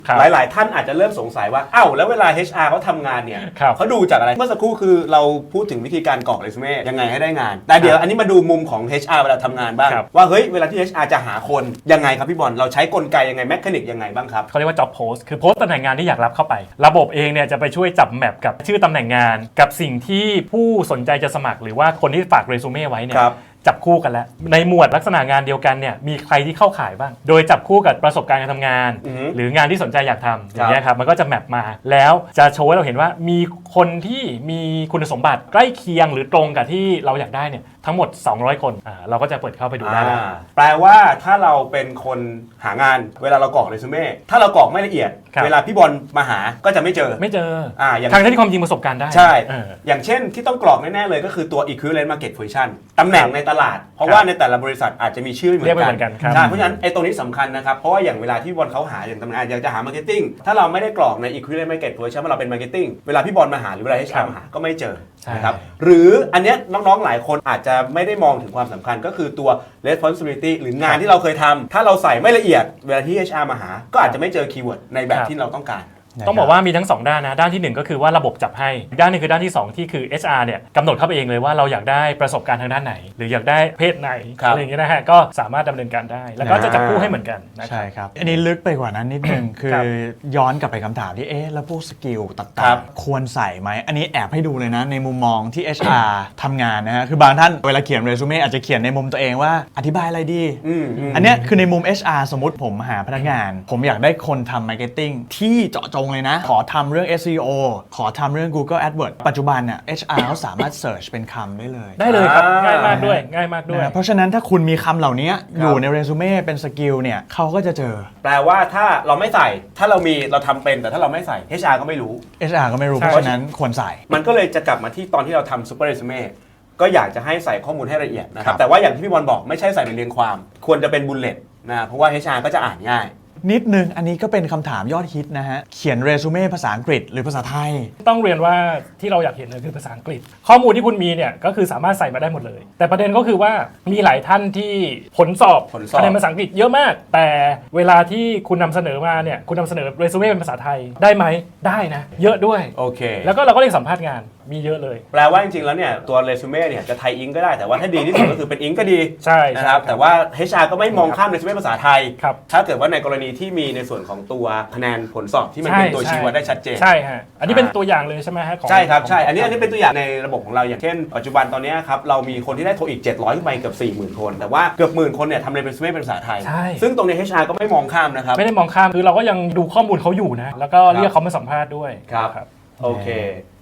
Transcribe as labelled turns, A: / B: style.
A: หลายๆท่านอาจจะเริ่มสงสัยว่าอ้าวแล้วเวลา HR เขาทำงานเนี่ยเขาดูจากอะไรเมื่อสักครู่คือเราพูดถึงวิธีการกรอกเรซูเม่ยังไงให้ได้งานแต่เดี๋ยวอันนี้มาดูมุมของ HR เวลาทำงานบ้างว่าเฮ้ยเวลาที่ HR จะหาคนยังไงครับพี่บอลเราใช้กลไกยังไงแมคานิกยังไงบ้างครับ
B: เขาเรียกว่า job post คือโพสต์ตำแหน่งงานที่อยากรับเข้าไประบบเองเนี่ยจะไปช่วยจับแมปกับชื่อตำแหน่งงานกับสิ่งที่ผู้สนใจจะสมัครหรือว่าคนที่ฝากเรซูเม่ไว้เนี่ยจับคู่กันแล้วในหมวดลักษณะงานเดียวกันเนี่ยมีใครที่เข้าข่ายบ้างโดยจับคู่กับประสบการณ์การทำงานหรืองานที่สนใจอยากทำอย่างเงี้ยครับมันก็จะแมปมาแล้วจะโชว์ให้เราเห็นว่ามีคนที่มีคุณสมบัติใกล้เคียงหรือตรงกับที่เราอยากได้เนี่ยทั้งหมด200คนเราก็จะเปิดเข้าไปดูได้
A: แปลว่าถ้าเราเป็นคนหางานเวลาเรากรอกเรซูเม่ถ้าเรากรอกไม่ละเอียดเวลาพี่บอลมาหาก็จะไม่เจอ
B: ทางที่ความจริงประสบการณ์ได้
A: ใช่อย่างเช่นที่ต้องกรอกแน่ๆเลยก็คือตัว equivalent market position ตำแหน่งในตลาดเพราะว่าในแต่ละบริษัทอาจจะมีชื่อเหมือนกันใช่เพราะฉะนั้นไอ้ตรงนี้สำคัญนะครับเพราะว่าอย่างเวลาที่บอลเขาหาอย่างตำแหน่งอยากจะหา marketing ถ้าเราไม่ได้กรอกใน equivalent market position ว่าเราเป็น marketing เวลาพี่บอลมาหาหรือเวลา HR มาหาก็ไม่เจอนะครับหรืออันเนี้ยน้องๆหลายคนอาจจะไม่ได้มองถึงความสำคัญก็คือตัว responsibility หรืองานที่เราเคยทำถ้าเราใส่ไม่ละเอียดเวลาที่ HR มาหาก็อาจจะไม่เจอคีย์เวิร์ดในแบบที่เราต้องการ
B: ต้องบอกว่ามีทั้ง2ด้านนะด้านที่1ก็คือว่าระบบจับให้ด้านนึงคือด้านที่2ที่คือ HR เนี่ยกำหนดเข้าไปเองเลยว่าเราอยากได้ประสบการณ์ทางด้านไหนหรืออยากได้เพศไหนอะไรอย่างเงี้ยนะฮะก็สามารถดำเนินการได้แล้วก็จะจับคู่ให้เหมือนกัน
C: ใช่ครับอันนี้ลึกไปกว่านั้นนิดนึงคือย้อนกลับไปคำถามที่แล้วพวกสกิลต่างๆควรใส่ไหมอันนี้แอบให้ดูเลยนะในมุมมองที่ HR ทำงานนะฮะคือบางท่านเวลาเขียนเรซูเม่อาจจะเขียนในมุมตัวเองว่าอธิบายอะไรดีอันนี้คือในมุม HR สมมติผมหาพนักงานผมอยากได้คนทำ marketing ที่เจาะจงเลยนะขอทำเรื่อง SEO ขอทำเรื่อง Google AdWords ปัจจุบันเนี่ย HR เขาสามารถ search เป็นคำได้เลย
B: ครับง่ายมากด้วย
C: เพราะฉะนั้นถ้าคุณมีคำเหล่านี้อยู่ในเรซูเม่เป็นสกิลเนี่ยเขาก็จะเจอ
A: แปลว่าถ้าเราไม่ใส่ถ้าเรามีเราทำเป็นแต่ถ้าเราไม่ใส่ HR ก็ไม่รู้
C: HR ก็ไม่รู้เพราะฉะนั้นควรใส่
A: มันก็เลยจะกลับมาที่ตอนที่เราทำ Super Resume ก็อยากจะให้ใส่ข้อมูลให้ละเอียดนะครับแต่ว่าอย่างที่พี่บอลบอกไม่ใช่ใส่เป็นเรียงความควรจะเป็นบุลเลตนะเพราะว่า HR ก็จะอ่านง่าย
C: นิดนึงอันนี้ก็เป็นคำถามยอดฮิตนะฮะเขียนเรซูเม่ภาษาอังกฤษหรือภาษาไทย
B: ต้องเรียนว่าที่เราอยากเห็นเลยคือภาษาอังกฤษข้อมูลที่คุณมีเนี่ยก็คือสามารถใส่มาได้หมดเลยแต่ประเด็นก็คือว่ามีหลายท่านที่ผลสอบคะแนนภาษาอังกฤษเยอะมากแต่เวลาที่คุณนำเสนอมาเนี่ยคุณนำเสนอเรซูเม่เป็นภาษาไทยได้ไหมได้นะเยอะด้วย
A: โอเค
B: แล้วก็เราก็เรียกสัมภาษณ์งานมีเยอะเลย
A: แปลว่าจริงๆแล้วเนี่ยตัวเรซูเม่เนี่ยจะไทยอิงก็ได้แต่ว่าถ้าดีที่สุดก็คือเป็นอิงก็ดี
B: ใช่
A: นะครับแต่ว่า HR ก็ไม่มองข้ามเรซูเม่ภาษาไทยถ้าเกิดว่าในกรณีที่มีในส่วนของตัวคะแนนผลสอบที่มันเป็นตัวชี้วัดได้ชัดเจน
B: ใช่ฮะอันนี้เป็นตัวอย่างเลยใช่ไหมฮะ
A: ใช่ครับใช่อันนี้เป็นตัวอย่างในระบบของเราอย่างเช่นปัจจุบันตอนนี้ครับเรามีคนที่ได้โทอีก700ขึ้นไปเกือบ 40,000 คนแต่ว่าเกือบ10,000 คนเนี่ยทำเรซูเม่เป็นภาษาไทยซึ่งตรงนี้ HR ก็ไม่มองข้ามนะครับ
B: ไม่ได้มองข้ามคือเราก็ยังดูข้อมูลเขาอยู่นะแล้วก็เรียกเขามาสัมภาษณ์ด้วย
A: ครับโอเค